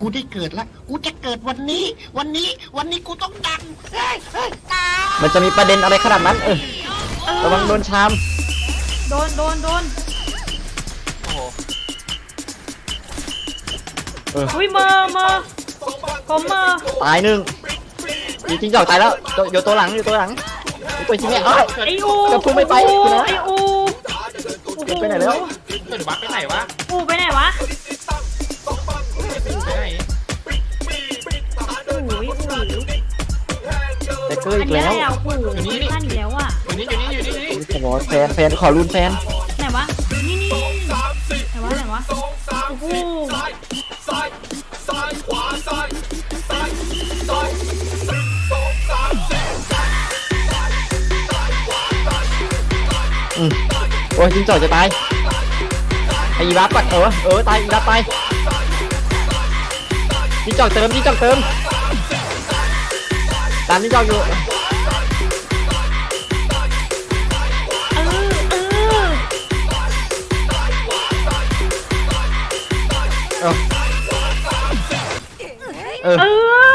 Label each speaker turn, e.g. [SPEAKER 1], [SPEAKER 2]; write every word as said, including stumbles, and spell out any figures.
[SPEAKER 1] กูได้เกิดแล้วกูจะเกิดวันนี้ วันนี้วันนี้กูต้องดังเฮ้ยเฮ้ยตาย
[SPEAKER 2] มันจะมีประเด็นอะไรขนาดนั้นเออระวังโดนชาม
[SPEAKER 3] โดนโดนโดน
[SPEAKER 4] โอ้โห
[SPEAKER 2] เออ
[SPEAKER 3] อุ้ยเมอเมอผมเมอ
[SPEAKER 2] ตายหนึ่งจริงๆจอกตายแล้วอยู่ตัวหลังอยู่ตัวหลังอยู่ตัวชิเมะเอ้ย
[SPEAKER 3] ไออู
[SPEAKER 2] จะพุ่งไม่ไป
[SPEAKER 3] ไออู
[SPEAKER 2] คุณนะ
[SPEAKER 3] ไออู
[SPEAKER 2] ไปไหนแล้ว
[SPEAKER 4] เกิดวัดไปไหนวะ
[SPEAKER 3] อูไปไหนวะ
[SPEAKER 4] ไปไหน
[SPEAKER 3] อูอู
[SPEAKER 2] แต่เกอร์
[SPEAKER 3] อั
[SPEAKER 2] อี
[SPEAKER 3] น
[SPEAKER 2] ก
[SPEAKER 3] นี้
[SPEAKER 2] แล้
[SPEAKER 3] อะไร
[SPEAKER 2] ว
[SPEAKER 3] อ่ะอูสั้นอยู่แล้วอ่ะ
[SPEAKER 4] อยู่นี่อยู่นี่อยู่นี่อยู่นี่
[SPEAKER 2] ขอแฟนแฟนขอรุนแฟน
[SPEAKER 3] ไหนวะนี่นี่ไหนวะไหนวะโอ้โห
[SPEAKER 2] อืมโอ้ยจริงจอกจะตายไอ้อีบัฟก่อนเออเออตายอีบัฟตายจริงจอกเติมจริงจอกเติมตามจริงจอกอยู่
[SPEAKER 3] เออเออ
[SPEAKER 2] เออเออ
[SPEAKER 3] เออ